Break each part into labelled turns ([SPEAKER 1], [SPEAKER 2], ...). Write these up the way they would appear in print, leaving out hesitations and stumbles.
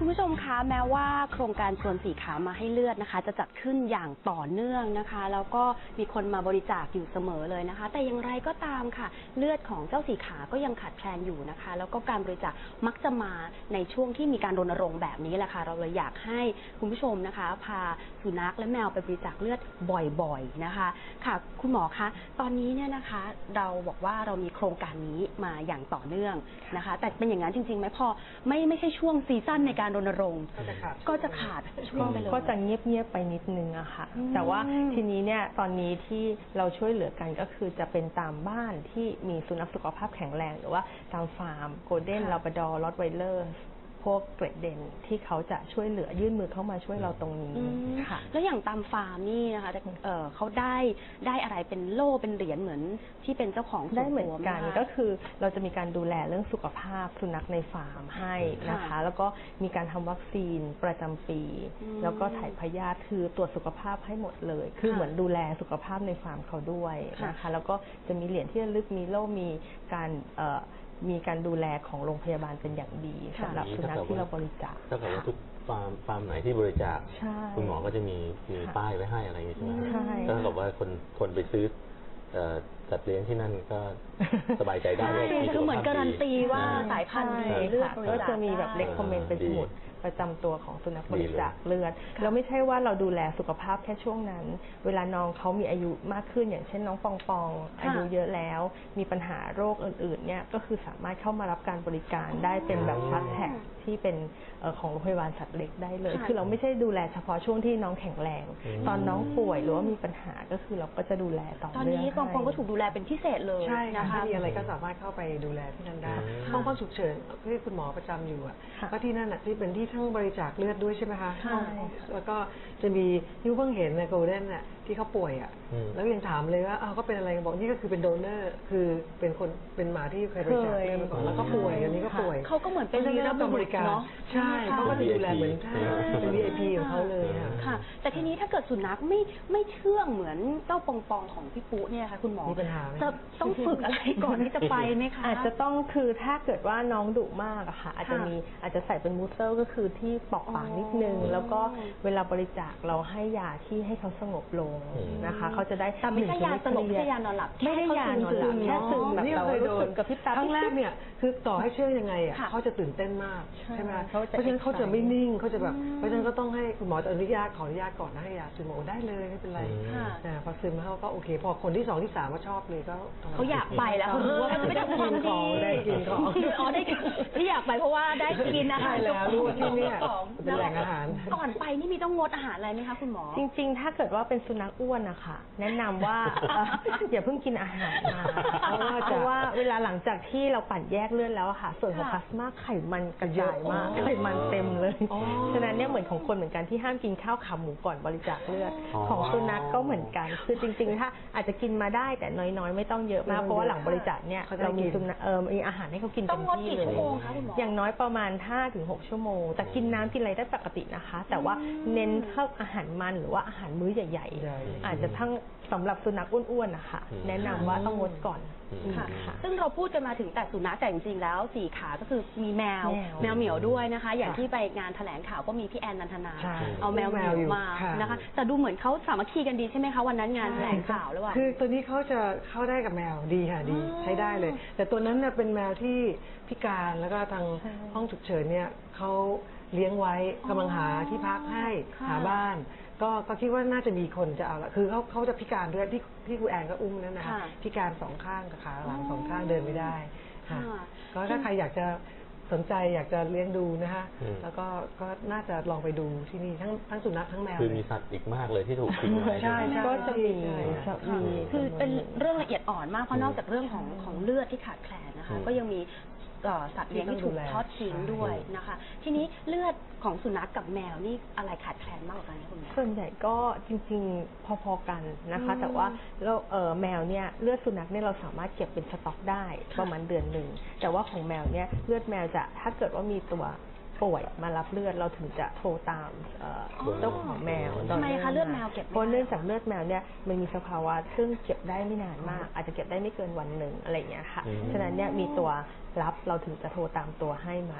[SPEAKER 1] ผู้ชมคะแม้ว่าโครงการชวนสีขามาให้เลือดนะคะจะจัดขึ้นอย่างต่อเนื่องนะคะแล้วก็มีคนมาบริจาคอยู่เสมอเลยนะคะแต่อย่างไรก็ตามค่ะเลือดของเจ้าสีขาก็ยังขาดแคลนอยู่นะคะแล้วก็การบริจาคมักจะมาในช่วงที่มีการรณรงค์แบบนี้แหละค่ะเราเลยอยากให้คุณผู้ชมนะคะพาสุนัขและแมวไปบริจาคเลือดบ่อยๆนะคะค่ะคุณหมอคะตอนนี้เนี่ยนะคะเราบอกว่าเรามีโครงการนี้มาอย่างต่อเนื่องนะคะแต่เป็นอย่างนั้นจริงๆไหมพอไม่ใช่ช่วงซีซั่นในการรณรงค์ก็จะขาดช่วงไปเลย
[SPEAKER 2] ก็จะเงียบๆไปนิดนึงอะค่ะแต่ว่าทีนี้เนี่ยตอนนี้ที่เราช่วยเหลือกันก็คือจะเป็นตามบ้านที่มีสุนัขสุขภาพแข็งแรงหรือว่าตามฟาร์มโกลเด้นลาบราดอร์รอตไวเลอร์พวกเกรดเด่นที่เขาจะช่วยเหลือยื่นมือเข้ามาช่วยเราตรงนี้ค่ะ
[SPEAKER 1] แล้วอย่างตามฟาร์มนี่นะคะเขาได้อะไรเป็นโล่เป็นเหรียญเหมือนที่เป็นเจ้าของ
[SPEAKER 2] ได้เหมือนกันก็คือเราจะมีการดูแลเรื่องสุขภาพสุนัขในฟาร์มให้นะคะแล้วก็มีการทำวัคซีนประจำปีแล้วก็ถ่ายพยาธิคือตรวจสุขภาพให้หมดเลยคือเหมือนดูแลสุขภาพในฟาร์มเขาด้วยนะคะแล้วก็จะมีเหรียญที่ระลึกมีโล่มีการดูแลของโรงพยาบาลเป็นอย่างดีสำหรับสุนัขที่เราบริจาค
[SPEAKER 3] ถ้าเกิดว่าทุกฟาร์มไหนที่บริจาคคุณหมอก็จะมีป้ายไว้ให้อะไรอย่างนี้ใช่ไหมถ้าเกิดว่าคนไปซื้อสัตว์เลี้ยงที่นั่นก็สบายใจได้ว่ามี
[SPEAKER 1] คือเหมือนการันตีว่าสายพันธุ์ดีเลือด
[SPEAKER 2] ก็จะมีแบบเล็กคอมเมนต์เป็นสมุดประจำตัวของสุนัขบริจาคเลือดเราไม่ใช่ว่าเราดูแลสุขภาพแค่ช่วงนั้นเวลาน้องเขามีอายุมากขึ้นอย่างเช่นน้องปองอายุเยอะแล้วมีปัญหาโรคอื่นๆเนี่ยก็คือสามารถเข้ามารับการบริการได้เป็นแบบพาสแท็กที่เป็นของโรงพยาบาลสัตว์เล็กได้เลยคือเราไม่ใช่ดูแลเฉพาะช่วงที่น้องแข็งแรงตอนน้องป่วยหรือว่ามีปัญหาก็คือเราก็จะดูแลต่อเนื่อง
[SPEAKER 1] ตอนนี้ปองก็ถูกดูแลเป็นพิเศษเลย
[SPEAKER 4] ใช่นะคะถ้ามีอะไรก็สามารถเข้าไปดูแลที่นั่นได้ห้องฉุกเฉินที่คุณหมอประจำอยู่อ่ะก็ที่นั่นที่เป็นที่ทั้งบริจาคเลือดด้วยใช่ไหมคะแล้วก็จะมีที่เพิ่งเห็นในโกลเด้นน่ะที่เขาป่วยอ่ะแล้วยังถามเลยว่าเขาเป็นอะไรบอกนี่ก็คือเป็นโดเนอร์คือเป็นหมาที่เคยบริจาคเลือดมาก่อนแล้วก็ป่วยอันนี้ก็ป่วย
[SPEAKER 1] เขาก็เหมือนเป็น
[SPEAKER 4] ที่รับบริการใช่เขาก็จะดูแลเหมือนเป็น VIP ของเขาเลย
[SPEAKER 1] ค่ะแต่ทีนี้ถ้าเกิดสุนัขไม่เชื่องเหมือนเจ้าปองของพี่ปุ๊เนี่ยค่ะคุณหมอ
[SPEAKER 4] มีปัญหาไหม
[SPEAKER 1] จะต้องฝึกอะไรก่อนที่จะไปไหมคะ
[SPEAKER 2] อาจจะต้องคือถ้าเกิดว่าน้องดุมากอะค่ะอาจจะใส่เป็นมูสเซอร์ก็คือที่ปอกปากนิดนึงแล้วก็เวลาบริจาคเราให้ยาที่ให้เขาสงบลงนะคะเขาจะได้
[SPEAKER 1] แต่ไม่ใช่ยาสลบไม่ใช่ยานอนหลับ
[SPEAKER 2] ไม่ได้ยานอนหลับแค่ซึมแบบเรารู้สึกกับพี่ตา
[SPEAKER 4] ครั้งแรกเนี่ยคือต่อให้เชื่อยังไงอ่ะเขาจะตื่นเต้นมากใช่ไหมเพราะฉะนั้นเขาจะไม่นิ่งเขาจะแบบเพราะฉะนั้นก็ต้องให้คุณหมอจะขออนุญาตก่อนนะให้ยาซึมโอได้เลยไม่เป็นไรพอซึมเขาก็โอเคพอคนที่2ที่3ก็ชอบเลยก็
[SPEAKER 1] เขาอยากไปแล้วเขารู้ว่าไม่ได้ความดี
[SPEAKER 4] ได้กินของ
[SPEAKER 1] ได้ที่อยากไปเพราะว่าได้กินอาหาร
[SPEAKER 4] แล้วรู้ที่นี่เป็นแหล่งอาหาร
[SPEAKER 1] ก่อนไปนี่มีต้องงดอาหารอะไรไหมคะคุณหมอ
[SPEAKER 2] จริงๆถ้าเกิดว่าเป็นสุนัขอ้วนนะคะแนะนำว่าอย่าเพิ่งกินอาหารเพราะว่าเวลาหลังจากที่เราปั่นแยกเลือดแล้วอะค่ะส่วนของพลาสมาไขมันกระจายมากไขมันเต็มเลยฉะนั้นเนี่ยเหมือนของคนเหมือนกันที่ห้ามกินข้าวขาหมูก่อนบริจาคเลือดของสุนัขก็เหมือนกันคือจริงๆถ้าอาจจะกินมาได้แต่น้อยๆไม่ต้องเยอะมากเพราะว่าหลังบริจาคเนี่ยเรามีสุนัขมีอาหารให้เขากินเต็มที่เลยอย่างน้อยประมาณ 5-6 ชั่วโมงแต่กินน้ำกินอะไรได้ปกตินะคะแต่ว่าเน้นเข้าอาหารมันหรือว่าอาหารมื้อใหญ่ๆอาจจะทั้งสำหรับสุนัขอ้วนๆนะคะแนะนำว่าต้องงดก่อน
[SPEAKER 1] ค่ะซึ่งเราพูดกันมาถึงแต่สุนัขแต่จริงๆแล้ว4ขาก็คือมีแมวเหมียวด้วยนะคะอย่างที่ไปงานแถลงข่าวก็มีพี่แอนนันทนาเอาแมวเหมียวมานะคะแต่ดูเหมือนเขาสามัคคีกันดีใช่ไหมคะวันนั้นงานแถลงข่าวแล้วว่า
[SPEAKER 4] คือตัวนี้เขาจะเข้าได้กับแมวดีค่ะดีใช้ได้เลยแต่ตัวนั้นเนี่ยเป็นแมวที่พิการแล้วก็ทางห้องฉุกเฉินเนี่ยเขาเลี้ยงไว้กำลังหาที่พักให้หาบ้านก็คิดว่าน่าจะมีคนจะเอาละคือเขาจะพิการด้วยที่ครูแอนก็อุ้มนั่นนะคะพิการ2 ข้างกับขาหลัง2 ข้างเดินไม่ได้ค่ะก็ถ้าใครอยากจะสนใจอยากจะเลี้ยงดูนะคะแล้วก็น่าจะลองไปดูที่นี่ทั้งสุนัขทั้งแมว
[SPEAKER 3] คือมีสัตว์อีกมากเลยที่ถูกทิ้งไว้
[SPEAKER 4] ใช่
[SPEAKER 2] ก็จะมี
[SPEAKER 1] คือเป็นเรื่องละเอียดอ่อนมากเพราะนอกจากเรื่องของเลือดที่ขาดแคลนนะคะก็ยังมีสัตว์เลี้ยงที่ถูกทอดทิ้งด้วยนะคะทีนี้เลือดของสุนัขกับแมวนี่อะไรขาดแคลนมากกว่ากันคะคุณแม่
[SPEAKER 2] ส่วนใหญ่ก็จริงๆพอๆกันนะคะแต่ว่าแมวเนี่ยเลือดสุนัขเนี่ยเราสามารถเก็บเป็นสต็อกได้ประมาณเดือนหนึ่งแต่ว่าของแมวเนี่ยเลือดแมวจะถ้าเกิดว่ามีตัวป่วยมารับเลือดเราถึงจะโทรตามเจ้าของแมว
[SPEAKER 1] ทำไมคะเลือดแมวเก็บ
[SPEAKER 2] เพราะเนื่องจากเลือดแมวเนี่ยมันมีสภาวะซึ่งเก็บได้ไม่นานมากอาจจะเก็บได้ไม่เกินวันหนึ่งอะไรอย่างเงี้ยค่ะฉะนั้นเนี่ยมีตัวรับเราถึงจะโทรตามตัวให้มา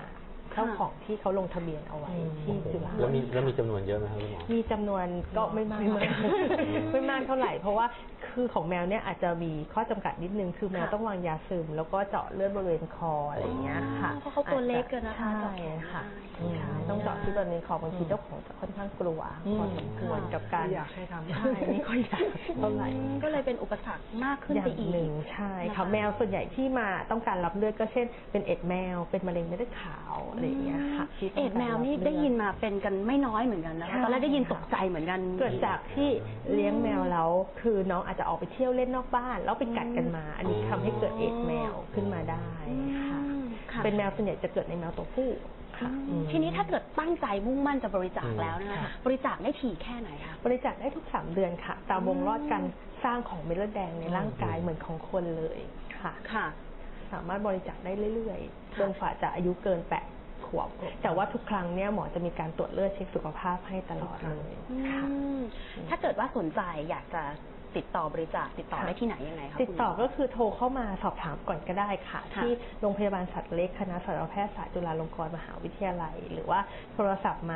[SPEAKER 2] เจ้าของที่เขาลงทะเบียนเอาไว้ที่จุฬา
[SPEAKER 3] แล้วมีจำนวนเยอะไหมครับคุณหมอ
[SPEAKER 2] มีจำนวนก็ไม่มากไม่มากเท่าไหร่เพราะว่าคือของแมวเนี่ยอาจจะมีข้อจำกัดนิดนึงคือแมวต้องวางยาซึมแล้วก็เจาะเลือดบริเวณคออะไรอย่างเงี้ยค่ะ
[SPEAKER 1] เพราะเขาตัวเล็กกันนะคะ
[SPEAKER 2] ใช่ค่ะใช่ต้องเจาะที่บริเวณคอบางทีเจ้าของจะค่อนข้างกลัวพอสมควรกับการ
[SPEAKER 4] ไม่อยากให้ทำ
[SPEAKER 2] ใช่ไม่ค่อยอยากเท่าไหร่
[SPEAKER 1] ก็เลยเป็นอุปสรรคมากขึ้น
[SPEAKER 2] อย่า
[SPEAKER 1] ไป
[SPEAKER 2] ง
[SPEAKER 1] อีก
[SPEAKER 2] หนึ่งใช่
[SPEAKER 1] นะคะ
[SPEAKER 2] ค่ะแมวส่วนใหญ่ที่มาต้องการรับเลือดก็เช่นเป็นเอ็ดแมวเป็นมะเร็งเม็ดเลือดขาวอะไรอย่างเงี้ยค่ะที่ต้ง
[SPEAKER 1] เอ็ด
[SPEAKER 2] การ
[SPEAKER 1] แมวนี่
[SPEAKER 2] รับเลือ
[SPEAKER 1] ได้ยินมาเป็นกันไม่น้อยเหมือนกันนะคะ
[SPEAKER 2] ใช่
[SPEAKER 1] ตอนแรกได้ยินตกใจเหมือนกัน
[SPEAKER 2] เกิดจากที่เลี้ยงแมวแล้วคือน้องอาจจะออกไปเที่ยวเล่นนอกบ้านแล้วไปกัดกันมา อันนี้ทำให้เกิดเอดส์แมวขึ้นมาได้ค่ะ
[SPEAKER 1] ค่ะ
[SPEAKER 2] เป็นแมวส่วนใหญ่จะเกิดในแมวตัวผู้ค่ะ
[SPEAKER 1] ทีนี้ถ้าเกิดตั้งใจมุ่งมั่นจะบริจาคแล้วนะคะบริจาคได้ถี่แค่ไหนคะ
[SPEAKER 2] บริจาคได้ทุก3 เดือนค่ะ ตามวงรอดการสร้างของเม็ดเลือดแดงในร่างกายเหมือนของคนเลยค่ะ
[SPEAKER 1] ค่ะ
[SPEAKER 2] สามารถบริจาคได้เรื่อยๆจนกว่าจะอายุเกิน8 ขวบแต่ว่าทุกครั้งเนี่ยหมอจะมีการตรวจเลือดเช็คสุขภาพให้ตลอดเลยค่ะ
[SPEAKER 1] ถ้าเกิดว่าสนใจอยากจะติดต่อบริจาคติดต่อได้ที่ไหนยังไงคะ
[SPEAKER 2] ติดต่อก็คือโทรเข้ามาสอบถามก่อนก็ได้ค่ะ
[SPEAKER 1] ค่ะ
[SPEAKER 2] ที่โรงพยาบาลสัตว์เล็กคณะสัตวแพทยศาสตร์จุฬาลงกรณ์มหาวิทยาลัย หรือว่าโทรศัพท์มา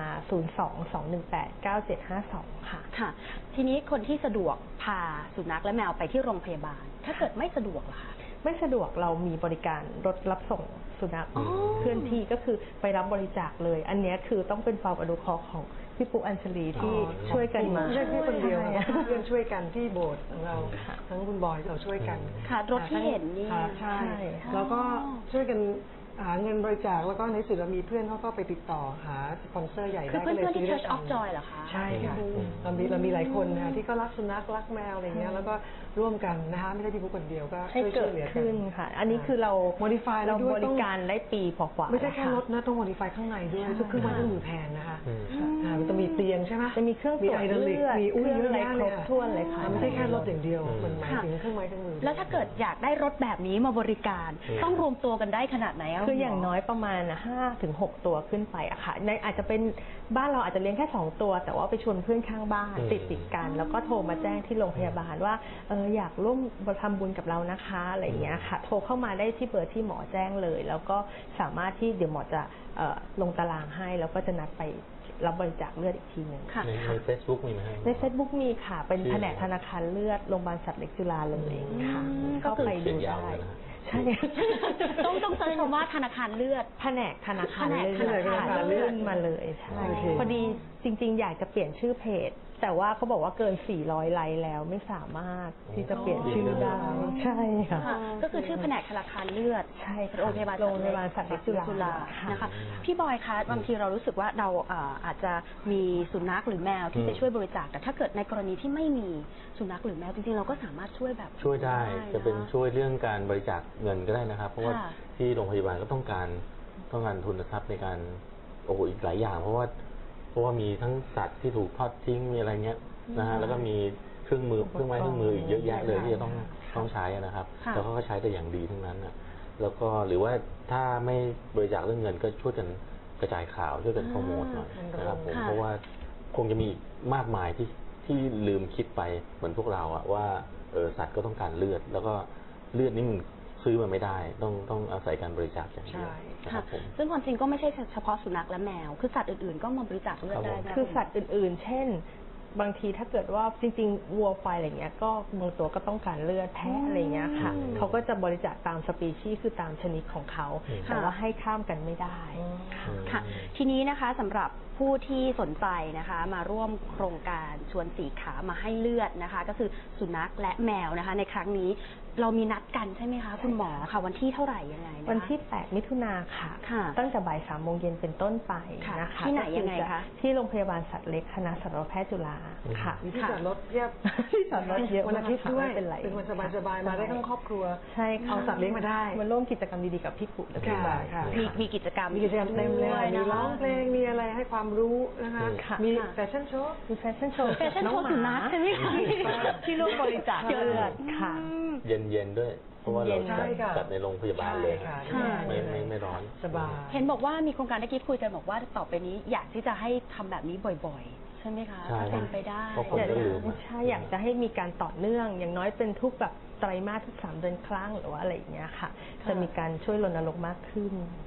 [SPEAKER 2] 022189752 ค่ะ
[SPEAKER 1] ค่ะ ทีนี้คนที่สะดวกพาสุนัขและแมวไปที่โรงพยาบาล ถ้าเกิดไม่สะดวกล่ะคะ
[SPEAKER 2] ไม่สะดวกเรามีบริการรถรับส่งสุนัข
[SPEAKER 1] อ๋อ
[SPEAKER 2] เคลื่อนที่ก็คือไปรับบริจาคเลย อันเนี้ยคือต้องเป็นความอนุเคราะห์ของพี่ปุ๊อัญชลีที่ช่วยกันมา
[SPEAKER 4] ไม่ใช่แค่คนเดียว
[SPEAKER 2] ใช่
[SPEAKER 4] นะเพื่อนช่วยกันที่โบสถ์ของเราทั้งคุณบอยเราช่วยกัน
[SPEAKER 1] ค่ะรถที่เห็นนี่
[SPEAKER 4] ค่ะใช่
[SPEAKER 2] ใช่
[SPEAKER 4] แล้วก็ช่วยกันหาเงินบริจาคแล้วก็ในสุดเรามีเพื่อนเขาก็ไปติดต่อหาสปอนเซอร์ใหญ่
[SPEAKER 1] คือ
[SPEAKER 4] ได้
[SPEAKER 1] เพื่
[SPEAKER 4] ก็เลย
[SPEAKER 1] อนๆที่
[SPEAKER 4] ซื้อ
[SPEAKER 1] Church
[SPEAKER 4] ได้
[SPEAKER 1] of Joy เหรอคะ
[SPEAKER 4] ใช่ค่ะ
[SPEAKER 1] อืม
[SPEAKER 4] เรามีหลายคนนะคะที่ก็รักสุนัขรักแมวอะไรเงี้ยแล้วก็ร่วมกันนะคะไม่ใช่พี่ปุ๊คนเดียวก็
[SPEAKER 2] ให้
[SPEAKER 4] ช่วย
[SPEAKER 2] เกิด
[SPEAKER 4] เหลือกั
[SPEAKER 2] ขึ้นค่ะ อันนี้คือเรา
[SPEAKER 4] modify
[SPEAKER 2] เรา
[SPEAKER 4] แล้วด้วย
[SPEAKER 2] บริการได้ปีกว่าๆ
[SPEAKER 4] ไม่ใช่แค่
[SPEAKER 2] ล้ว
[SPEAKER 4] รถนะต้อง modify ข้างในด้วยทุกเครื่องไม้เครื่องมือแพงนะคะ
[SPEAKER 3] อืม
[SPEAKER 4] มันจะมีเตียงใช่ไหม
[SPEAKER 2] จะมีเครื่องตรวจ
[SPEAKER 4] ไฮดรอลิก
[SPEAKER 2] เลือด
[SPEAKER 4] มี
[SPEAKER 2] เครื่องอะไร
[SPEAKER 4] เยอะ
[SPEAKER 2] คร
[SPEAKER 4] แยะ
[SPEAKER 2] บถ้วนเลยค่ะ
[SPEAKER 4] ไม่ใช่แค่รถอย่างเดียว
[SPEAKER 3] อืม
[SPEAKER 4] มันหมายถึงเครื่องไม้เครื่องมือ
[SPEAKER 1] แล้วถ้าเกิดอยากได้รถแบบนี้มาบริการ ต้องรวมตัวกันได้ขนาดไหนะ
[SPEAKER 2] คืออย่าง
[SPEAKER 1] ณหม
[SPEAKER 2] น้อยประมาณ5 ถึง 6 ตัวขึ้นไปอะค่ะในอาจจะเป็นบ้านเราอาจจะเลี้ยงแค่2 ตัว แต่ว่าไปชวนเพื่อนข้างบ้านติดกัน แล้วก็โทรมาแจ้งที่โรงพยาบาลว่าอยากร่วมทำบุญกับเรานะคะอะไรอย่างเงี้ยค่ะ โทรเข้ามาได้ที่เบอร์ที่หมอแจ้งเลย แล้วก็สามารถที่เดี๋ยวหมอจะลงตารางให้แล้วก็จะนัดไปรับบริจาคเลือดอีกทีหนึ่ง
[SPEAKER 1] ค่ะ
[SPEAKER 3] ใน Facebook มีไหมครับ
[SPEAKER 2] ใน Facebook มีค่ะ เป็น
[SPEAKER 3] ชื่อ
[SPEAKER 2] แผนกธนาคารเลือดโรงพยาบาลสัตว์เล็กจุฬาเลยค่ะ
[SPEAKER 1] ก็
[SPEAKER 2] เข้า
[SPEAKER 1] คือ
[SPEAKER 2] ไป
[SPEAKER 3] เขี
[SPEAKER 2] ดู
[SPEAKER 3] ยนยาว
[SPEAKER 2] ได้
[SPEAKER 3] เลยนะฮะ
[SPEAKER 2] ใช่
[SPEAKER 1] ต้องเซิร์ชคำว่าธนาคารเลือด
[SPEAKER 2] แผนกธนาคาร
[SPEAKER 1] แผนก
[SPEAKER 2] เลือด
[SPEAKER 1] ธนาคารเลือด
[SPEAKER 2] ขึ้นมาเลยใช่
[SPEAKER 4] โอเค
[SPEAKER 2] พอดีจริงๆ อยากจะเปลี่ยนชื่อเพจ แต่ว่าเขาบอกว่าเกิน 400 ไลค์แล้วไม่สามารถที่จะเปลี่ยนชื่อได้ ใช่ค่ะ
[SPEAKER 1] ค่ะก็คือชื่อแผนกธนาคารเลือด
[SPEAKER 2] ใช่ค่ะ
[SPEAKER 1] โรงพยาบาล
[SPEAKER 2] โรงพยาบาลสัตว์เล็กจุฬาค่ะ
[SPEAKER 1] นะคะพี่บอยคะบางทีเรารู้สึกว่าเราอาจจะมีสุนัขหรือแมวที่จะช่วยบริจาคแต่ถ้าเกิดในกรณีที่ไม่มีสุนัขหรือแมวจริงๆเราก็สามารถช่วยแบบ
[SPEAKER 3] ช่วยได้
[SPEAKER 1] น
[SPEAKER 3] จะเป็นช่วยเรื่องการบริจาคเงินก็ได้นะครับ เพราะว่า
[SPEAKER 1] ค่ะ
[SPEAKER 3] ที่โรงพยาบาลก็ต้องการทุนทรัพย์ในการโอ้โหอีกหลายอย่าง เพราะว่ามีทั้งสัตว์ที่ถูกทอดทิ้งมีอะไรเงี้ยนะฮะแล้วก็มีเครื่องมือเครื่องไม้เครื่องมืออีกเยอะแยะเลยที่จะต้องใช้นะครับ
[SPEAKER 1] ค่ะ
[SPEAKER 3] แล้วเขาก็ใช้แต่อย่างดีทั้งนั้นนะแล้วก็หรือว่าถ้าไม่บริจาคเรื่องเงินก็ช่วยกันกระจายข่าวช่วยกันโปรโมทหน่อยนะครับผม
[SPEAKER 1] ค่ะ
[SPEAKER 3] เพราะว่าคงจะมีมากมายที่ลืมคิดไปเหมือนพวกเราอะว่าสัตว์ก็ต้องการเลือด แล้วก็เลือดนี่มันซื้อมาไม่ได้ต้องอาศัยการบริจาคอย่างเดียวนะค
[SPEAKER 1] ค่ะ
[SPEAKER 3] รับผม
[SPEAKER 1] ซึ่งความจริงก็ไม่ใช่เฉพาะสุนัขและแมว คือสัตว์อื่นๆก็มาบริจาคเลือดได้นะ
[SPEAKER 2] คือสัตว์อื่นๆ เช่น บางทีถ้าเกิดว่าจริงๆ วัวควายอะไรเงี้ยก็บางตัวก็ต้องการเลือดแพะอะไรเงี้ยค่ะ
[SPEAKER 3] อืม
[SPEAKER 2] เขาก็จะบริจาคตามสปีชีส์คือตามชนิดของเขา
[SPEAKER 3] อืม
[SPEAKER 2] แต่ว่าให้ข้ามกันไม่ได้ค่ะ
[SPEAKER 1] ค่ะ ทีนี้นะคะสำหรับผู้ที่สนใจนะคะมาร่วมโครงการชวนสีขามาให้เลือดนะคะ ก็คือสุนัขและแมวนะคะ ในครั้งนี้เรามีนัดกันใช่ไหมคะคุณหมอค่ะ วันที่เท่าไหร่ยังไงนะคะ
[SPEAKER 2] วันที่ 8 มิถุนาค่ะ
[SPEAKER 1] ค่ะ
[SPEAKER 2] ตั้งแต่บ่าย 3 โมงเย็นเป็นต้นไปนะคะ
[SPEAKER 1] ที่ไหน
[SPEAKER 2] ก็อ
[SPEAKER 1] ยังไงคะ
[SPEAKER 2] ที่โรงพยาบาลสัตว์เล็กคณะสัตวแพทย์จุฬาค่ะ
[SPEAKER 4] มีที่จอดรถเพียบ
[SPEAKER 2] ที่จอดรถเยอะ
[SPEAKER 4] วันอาทิตย์ด้วย
[SPEAKER 2] ไม่เป็นไร
[SPEAKER 4] เป็นวันสบายๆมาได้ทั้งครอบครัว
[SPEAKER 2] ใช่ค่ะ
[SPEAKER 4] เอาสัตว์เลี้ยงมาได้
[SPEAKER 2] มาร่วมกิจกรรมดีๆกับพี่ปุ๊และพี่บอย
[SPEAKER 4] ค่ะ
[SPEAKER 1] มีกิจกรรม
[SPEAKER 4] มีกิจกรรมเต็มเลย
[SPEAKER 1] ด้วย
[SPEAKER 4] มี
[SPEAKER 1] นะคะ
[SPEAKER 4] ร้องเพลงมีอะไรให้ความรู้นะคะ
[SPEAKER 2] ค่ะ
[SPEAKER 4] มีแฟชั่นโชว์
[SPEAKER 2] มีแฟชั่นโชว์
[SPEAKER 1] แฟชั่นโชว์สุนัขใช่ไหมคะ
[SPEAKER 2] ที่ร่วมบริจาคเลือดค่ะ
[SPEAKER 3] เย็นๆด้วย เพราะว่าเรา
[SPEAKER 2] เย็น
[SPEAKER 3] จัดในโรงพยาบาลเลย
[SPEAKER 4] ใช่ค่ะ
[SPEAKER 1] ใช่
[SPEAKER 3] ไม่ร้อน
[SPEAKER 4] สบาย
[SPEAKER 1] เห็นบอกว่ามีโครงการได้คิดคุยกันบอกว่าต่อไปนี้อยากที่จะให้ทำแบบนี้บ่อยๆ ใช่ไหมคะ
[SPEAKER 3] ใช่
[SPEAKER 1] ถ้าเป็นไปได้
[SPEAKER 3] เพราะคนก็ลืม
[SPEAKER 2] ใช่อยากจะให้มีการต่อเนื่อง อย่างน้อยเป็นทุกแบบไตรมาสทุก3 เดือนครั้งหรือว่าอะไรอย่างเงี้ยค่ะ จะมีการช่วยรณรงค์มากขึ้นค่ะ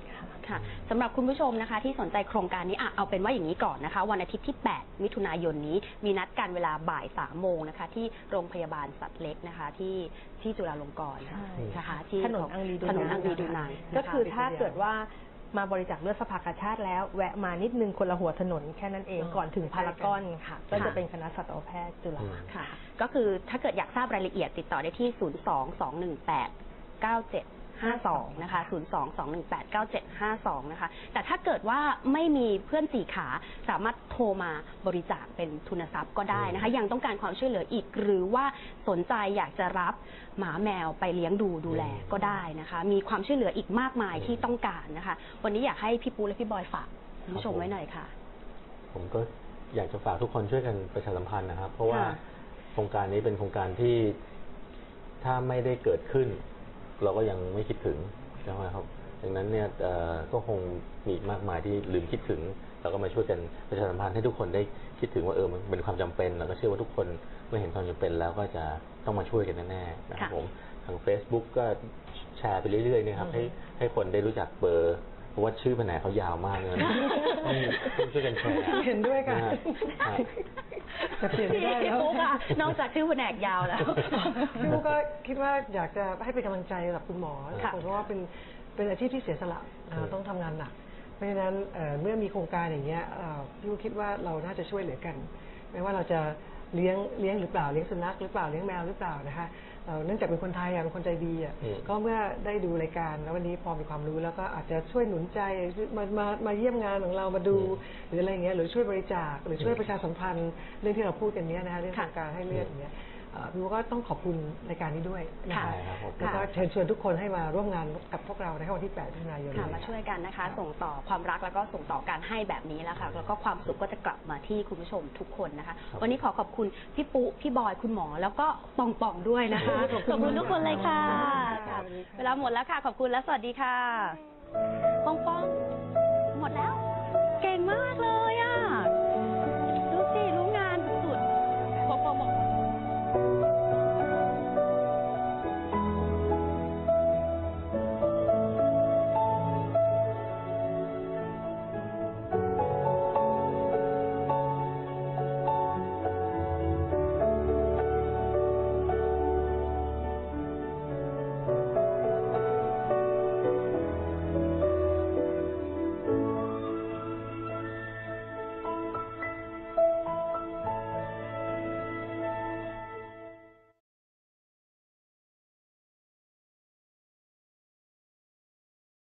[SPEAKER 1] ค่ะสำหรับคุณผู้ชมนะคะที่สนใจโครงการนี้เอาเป็นว่าอย่างนี้ก่อนนะคะวันอาทิตย์ที่ 8 มิถุนายนนี้มีนัดกันเวลาบ่าย 3 โมงนะคะที่โรงพยาบาลสัตว์เล็กนะคะที่จุฬาลงกรณ์นะคะที่
[SPEAKER 2] ถนนอังรีดูนัง
[SPEAKER 1] ถนนอังรีดูนัง
[SPEAKER 2] ก็คือถ้าเกิดว่ามาบริจาคเลือดสภากาชาติแล้วแวะมานิดนึงคนละหัวถนนแค่นั้นเองก่อนถึงพารากอนค่ะก็จะเป็นคณะสัตวแพทย์จุฬา
[SPEAKER 1] ค่ะก็คือถ้าเกิดอยากทราบรายละเอียดติดต่อได้ที่ 022189752 นะคะ 022189752 นะคะ แต่ถ้าเกิดว่าไม่มีเพื่อนสี่ขาสามารถโทรมาบริจาคเป็นทุนทรัพย์ก็ได้นะคะ ยังต้องการความช่วยเหลืออีกหรือว่าสนใจอยากจะรับหมาแมวไปเลี้ยงดูแลก็ได้นะคะ มีความช่วยเหลืออีกมากมายที่ต้องการนะคะ วันนี้อยากให้พี่ปูและพี่บอยฝากคุณผู้ชมไว้หน่อยค่ะ
[SPEAKER 3] ผมก็อยากจะฝากทุกคนช่วยกันประชาสัมพันธ์นะครับ เพราะว่า
[SPEAKER 1] ค่ะ
[SPEAKER 3] โครงการนี้เป็นโครงการที่ถ้าไม่ได้เกิดขึ้น เราก็ยังไม่คิดถึงใช่ไหมครับดังนั้นเนี่ยก็คงมีอีกมากมายที่ลืมคิดถึงเราก็มาช่วยกันประชาสัมพันธ์ให้ทุกคนได้คิดถึงว่ามันเป็นความจำเป็นแล้วก็เชื่อว่าทุกคนเมื่อเห็นความจำเป็นแล้วก็จะต้องมาช่วยกันแน่ๆนะครับผมทาง Facebook ก็แชร์ไปเรื่อยๆนะครับให้คนได้รู้จักเบอร์เพราะว่าชื่อแผนกเขายาวมากเลยนะต้องช่วยกันแชร์
[SPEAKER 4] เห็นด้วยค่ะ
[SPEAKER 3] นะฮะ
[SPEAKER 4] แต่เปลี่ยนไม่ได้แล้ว
[SPEAKER 1] พี่ปุ๊กอะนอกจากชื่อแผนกยาวแล้ว
[SPEAKER 4] พี่ปุ๊กก็คิดว่าอยากจะให้เป็นกำลังใจกับคุณหมอ
[SPEAKER 1] ค่ะ
[SPEAKER 4] เพราะว่าเป็นอาชีพที่เสียสละต้องทำงานหนัก เพราะฉะนั้นเมื่อมีโครงการอย่างเงี้ยพี่ปุ๊กคิดว่าเราน่าจะช่วยเหลือกัน ไม่ว่าเราจะเลี้ยงหรือเปล่าเลี้ยงสุนัขหรือเปล่าเลี้ยงแมวหรือเปล่านะคะเนื่องจากเป็นคนไทยเป็นคนใจดีก็เมื่อได้ดูรายการแล้ววันนี้พอมีความรู้แล้วก็อาจจะช่วยหนุนใจมาเยี่ยมงานของเรามาดูหรืออะไรเงี้ยหรือช่วยบริจาคหรือช่วยประชาสัมพันธ์เรื่องที่เราพูดกันเนี้ยนะคะเรื่องโครงการให้เลือดอย่างเงี้ยพี่ก็ต้องขอบคุณรายการนี้ด้วยนะคะแล้วก็เชิญชวนทุกคนให้มาร่วมงานกับพวกเราในวันที่ 8 มิถุนายน
[SPEAKER 1] ค่ะมาช่วยกันนะคะ ส่งต่อความรักแล้วก็ส่งต่อการให้แบบนี้แล้วค่ะแล้วก็ความสุขก็จะกลับมาที่คุณผู้ชมทุกคนนะคะ วันนี้ขอบคุณพี่ปุ๊พี่บอยคุณหมอแล้วก็ปองปองด้วยนะคะขอบคุณทุกคนเลยค่ะเวลาหมดแล้วค่ะขอบคุณและสวัสดีค่ะปองปองหมดแล้ว เก่งมากเลย